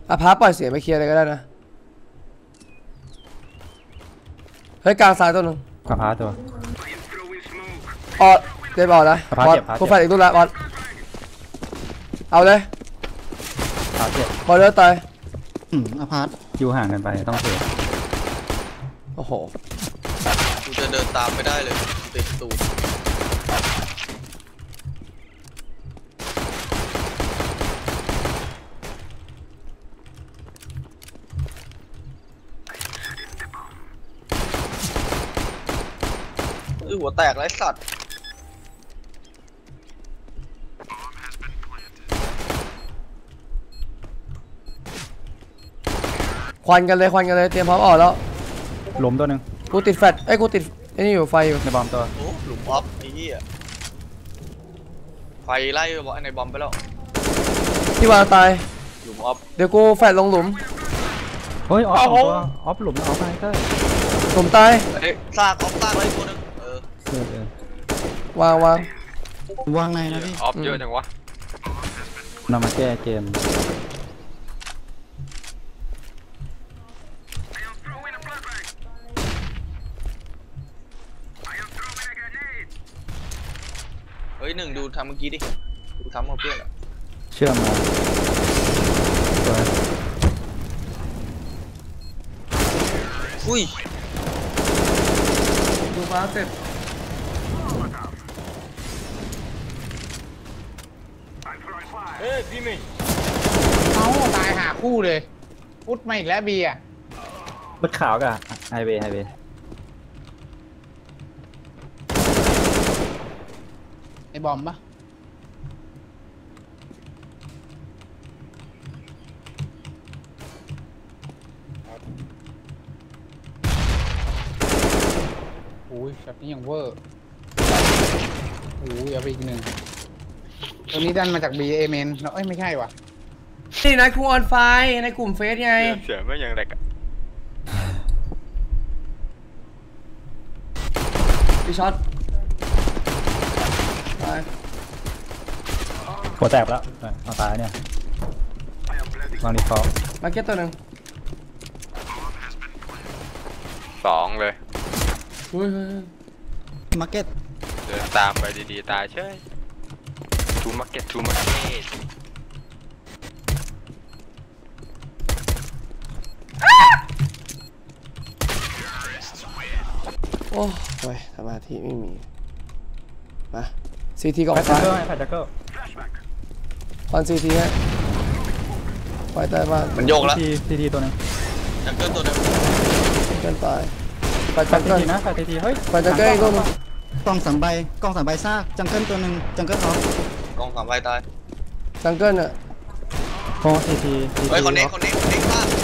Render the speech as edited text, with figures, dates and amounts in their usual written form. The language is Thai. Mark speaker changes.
Speaker 1: พาร์ตปล่อยเสียงไปเคลียร์อะไรก็ได้นะเฮ้ยกลางซ้ายตัวนึง
Speaker 2: กระพาตัว
Speaker 1: เดี๋ยวบอกนะบอลกูแฟนอีกตัวละบอลเอาเลยบอลเลือดตาย
Speaker 2: อพาร์ตอยู่ห่างกันไปต้องเสีย
Speaker 1: โอ้โห
Speaker 3: กูจะเดินตามไม่ได้เลยติดตูดหัวแตกไรสัตว์
Speaker 1: ควันกันเลยเตรียมพร้อมออกแล้ว
Speaker 2: ล้มตัวหนึ่ง
Speaker 1: กูติดแฟลชกูติดไอ้นี่อยู่ไฟอยู่
Speaker 2: ในบอมตัว
Speaker 3: โอ้หลุมออฟไอ้เหี้ยไฟไล่ในบอมไปแล้ว
Speaker 1: ที่วางตาย
Speaker 3: หลุมออฟ
Speaker 1: เดี๋ยวกูแฟลชลงหลุม
Speaker 2: เฮ้ยออฟตัวออฟหลุมออฟไปก็
Speaker 1: หลุมตาย
Speaker 3: ซากออฟซากไว้ตัวนึง
Speaker 1: วาง
Speaker 4: ในนะพี่
Speaker 3: ออฟเยอะจังวะ
Speaker 2: นำมาแก้เกม
Speaker 3: เฮ้ยหนึ่งดูทำเมื่อกี้ดิดูทำเอาเพื่อน
Speaker 2: เชื่อมมา
Speaker 3: อุ้ย
Speaker 1: ดูฟ้าเสร็จ
Speaker 4: เฮ้ยพี่มิงเอาตายหาคู่เลยพุทธมาอีกแล้วบีอ่ะ
Speaker 2: รถขาวกับไฮเวย์
Speaker 4: ไอ้บอมปะโอ้ยช็อตนี้ยังเวอร์โอ้ยเอาไปอีกหนึ่งตัวนี้ดันมาจาก B เอเมนเอ้ยไม่ใช่ว่ะ
Speaker 1: นี่นะครูออนไฟในกลุ่มเฟซไง
Speaker 3: เสียไม่ยังแรกอะ
Speaker 1: พี่ช็อตตาย
Speaker 2: หัวแตกแล้วเอาตายเนี่ยวางดีฟอล
Speaker 1: มาเก็ตตัวหนึ่ง
Speaker 3: 2เลย
Speaker 4: มาเก็ต
Speaker 3: เดินตามไปดีๆตายเฉยทูมาร์เก็ต
Speaker 1: โอ้ยสมาธิไม่มีมาซีทีก่อน
Speaker 2: ไฟจักเกอร์
Speaker 1: ควันซีทีฮะไฟใต้บ้าน
Speaker 3: มันโยกแล้ว
Speaker 2: ซีทีตัวนึง
Speaker 3: จักเกิลตัวนึง
Speaker 1: เกินตายไฟจักเกิล
Speaker 2: นะไฟซีทีเฮ้ย
Speaker 1: ไฟจักเกิลอีกตัวนึง
Speaker 4: กล้อง3 ใบซากจังเกิลตัวหนึ่งจังเกิลออฟ
Speaker 3: กอง3 ใบตาย
Speaker 1: จังเกิลอ่ะ
Speaker 2: โอ้ซีที
Speaker 3: เฮ้ยคนนี้พลาด